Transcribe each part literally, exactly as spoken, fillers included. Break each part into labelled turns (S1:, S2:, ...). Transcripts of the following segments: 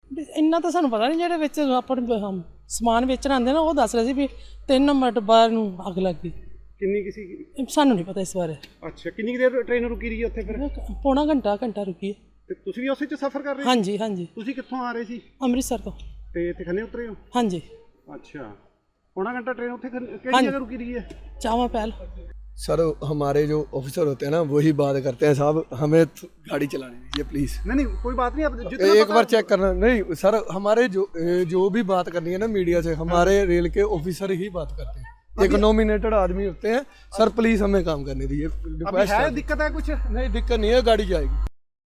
S1: ਵੀ ਇੰਨਾ ਤਾਂ ਸਾਨੂੰ ਪਤਾ ਨਹੀਂ, ਜਿਹੜੇ ਵਿੱਚ ਆਪਾਂ ਨੂੰ ਹਮ ਸਮਾਨ ਵੇਚਣ ਆਉਂਦੇ ਨਾ ਉਹ ਦੱਸ ਰਹੇ ਸੀ ਵੀ ਤਿੰਨ ਮਿੰਟ ਬਾਅਦ ਨੂੰ ਅੱਗ ਲੱਗ ਗਈ।
S2: ਕਿੰਨੀ ਕੀ ਸੀ?
S1: ਸਾਨੂੰ ਨਹੀਂ ਪਤਾ ਇਸ ਬਾਰੇ।
S2: ਅੱਛਾ, ਕਿੰਨੀ ਕੁ ਦੇਰ ਟ੍ਰੇਨ ਰੁਕੀ ਰਹੀ ਹੈ ਉੱਥੇ ਫਿਰ?
S1: ਪੌਣਾ ਘੰਟਾ ਘੰਟਾ ਰੁਕੀ ਹੈ।
S2: ਤੇ ਤੁਸੀਂ ਵੀ ਉਸੇ 'ਚ ਸਫ਼ਰ ਕਰ ਰਹੇ ਸੀ?
S1: ਹਾਂਜੀ ਹਾਂਜੀ,
S2: ਤੁਸੀਂ ਕਿੱਥੋਂ ਆ ਰਹੇ ਸੀ?
S1: ਅੰਮ੍ਰਿਤਸਰ ਤੋਂ।
S2: ਤੇ ਇੱਥੇ ਖੰਨੇ ਉਤਰੇ ਹੋ?
S1: ਹਾਂਜੀ।
S2: अच्छा, पौना घंटा ट्रेन उत्थे किहड़ी जगह रुकी रही है?
S1: चावा पहल।
S3: सर हमारे जो ऑफिसर होते हैं ना वही बात करते हैं साहब, हमें गाड़ी चलाने दीजिए प्लीज़।
S2: नहीं नहीं कोई बात नहीं, आप जितना
S3: एक बार चेक करना। नहीं सर, हमारे जो जो भी बात करनी है ना मीडिया से, हमारे रेल के ऑफिसर ही बात करते हैं। एक नॉमिनेटेड आदमी होते हैं सर, प्लीज़ हमें काम करने दीजिए।
S2: अभी है दिक्कत है कुछ?
S3: नहीं दिक्कत नहीं है, गाड़ी जाएगी।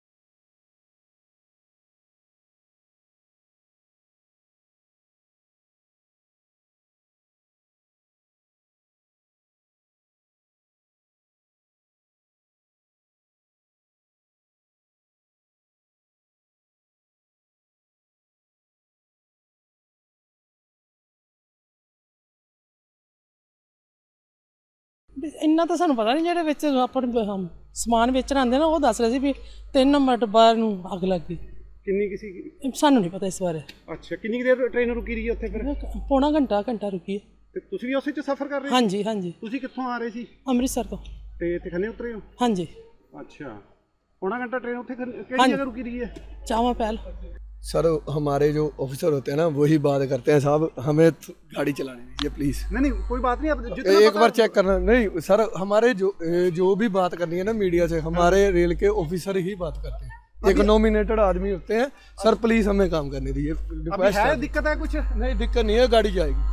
S1: ਵੀ ਇੰਨਾ ਤਾਂ ਸਾਨੂੰ ਪਤਾ ਨਹੀਂ, ਜਿਹੜੇ ਵਿੱਚ ਆਪਾਂ ਨੂੰ ਹਮ ਸਮਾਨ ਵੇਚਣ ਆਉਂਦੇ ਨਾ ਉਹ ਦੱਸ ਰਹੇ ਸੀ ਵੀ ਤਿੰਨ ਮਿੰਟ ਬਾਅਦ ਨੂੰ ਅੱਗ ਲੱਗ ਗਈ।
S2: ਕਿੰਨੀ ਕੀ ਸੀ?
S1: ਸਾਨੂੰ ਨਹੀਂ ਪਤਾ ਇਸ ਬਾਰੇ।
S2: ਅੱਛਾ, ਕਿੰਨੀ ਕੁ ਦੇਰ ਟ੍ਰੇਨ ਰੁਕੀ ਰਹੀ ਹੈ ਉੱਥੇ ਫਿਰ?
S1: ਪੌਣਾ ਘੰਟਾ ਘੰਟਾ ਰੁਕੀ ਹੈ।
S2: ਤੇ ਤੁਸੀਂ ਵੀ ਉਸੇ 'ਚ ਸਫ਼ਰ ਕਰ ਰਹੇ ਸੀ?
S1: ਹਾਂਜੀ ਹਾਂਜੀ।
S2: ਤੁਸੀਂ ਕਿੱਥੋਂ ਆ ਰਹੇ ਸੀ?
S1: ਅੰਮ੍ਰਿਤਸਰ ਤੋਂ।
S2: ਤੇ ਇੱਥੇ ਖੰਨੇ ਉਤਰੇ ਹੋ?
S1: ਹਾਂਜੀ।
S2: अच्छा, पौना घंटा ट्रेन उत्थे किहड़ी जगह रुकी रही है?
S1: चावा पहल।
S3: सर हमारे जो ऑफिसर होते हैं ना वही बात करते हैं साहब, हमें गाड़ी चलाने दीजिए प्लीज़।
S2: नहीं नहीं कोई बात नहीं, आप जितना
S3: एक बार चेक करना। नहीं सर, हमारे जो जो भी बात करनी है ना मीडिया से, हमारे रेल के ऑफिसर ही बात करते हैं। एक नॉमिनेटेड आदमी होते हैं सर, प्लीज़ हमें काम करने दीजिए।
S2: अभी है दिक्कत है कुछ?
S3: नहीं दिक्कत नहीं है, गाड़ी जाएगी।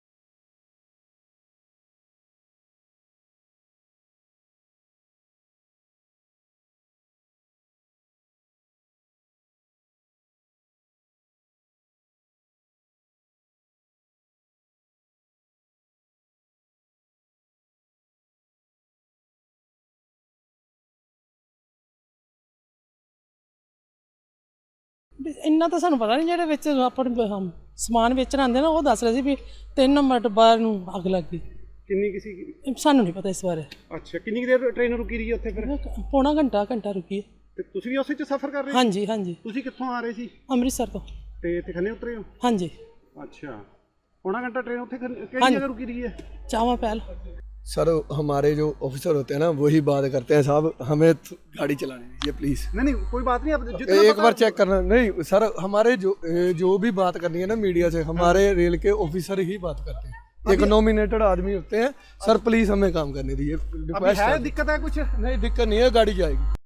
S1: ਵੀ ਇੰਨਾ ਤਾਂ ਸਾਨੂੰ ਪਤਾ ਨਹੀਂ, ਜਿਹੜੇ ਵਿੱਚ ਆਪਾਂ ਨੂੰ ਹਮ ਸਮਾਨ ਵੇਚਣ ਆਉਂਦੇ ਨਾ ਉਹ ਦੱਸ ਰਹੇ ਸੀ ਵੀ ਤਿੰਨ ਮਿੰਟ ਬਾਅਦ ਨੂੰ ਅੱਗ ਲੱਗ ਗਈ।
S2: ਕਿੰਨੀ ਕੀ ਸੀ?
S1: ਸਾਨੂੰ ਨਹੀਂ ਪਤਾ ਇਸ ਬਾਰੇ।
S2: ਅੱਛਾ, ਕਿੰਨੀ ਕੁ ਦੇਰ ਟ੍ਰੇਨ ਰੁਕੀ ਰਹੀ ਹੈ ਉੱਥੇ ਫਿਰ?
S1: ਪੌਣਾ ਘੰਟਾ ਘੰਟਾ ਰੁਕੀ ਹੈ।
S2: ਤੇ ਤੁਸੀਂ ਵੀ ਉਸੇ 'ਚ ਸਫ਼ਰ ਕਰ ਰਹੇ ਸੀ?
S1: ਹਾਂਜੀ ਹਾਂਜੀ।
S2: ਤੁਸੀਂ ਕਿੱਥੋਂ ਆ ਰਹੇ ਸੀ?
S1: ਅੰਮ੍ਰਿਤਸਰ ਤੋਂ।
S2: ਤੇ ਇੱਥੇ ਖੰਨੇ ਉਤਰੇ ਹੋ?
S1: ਹਾਂਜੀ।
S2: अच्छा, पौना घंटा ट्रेन उत्थे किहड़ी जगह रुकी रही है?
S1: चावा पहल।
S3: सर हमारे जो ऑफिसर होते हैं ना वही बात करते हैं साहब, हमें गाड़ी चलाने दीजिए प्लीज़।
S2: नहीं नहीं कोई बात नहीं, आप जितना
S3: एक बार चेक करना। नहीं सर, हमारे जो जो भी बात करनी है ना मीडिया से, हमारे रेल के ऑफिसर ही बात करते हैं। एक नॉमिनेटेड आदमी होते हैं सर, प्लीज़ हमें काम करने दीजिए।
S2: अभी है दिक्कत है कुछ?
S3: नहीं दिक्कत नहीं है, गाड़ी जाएगी।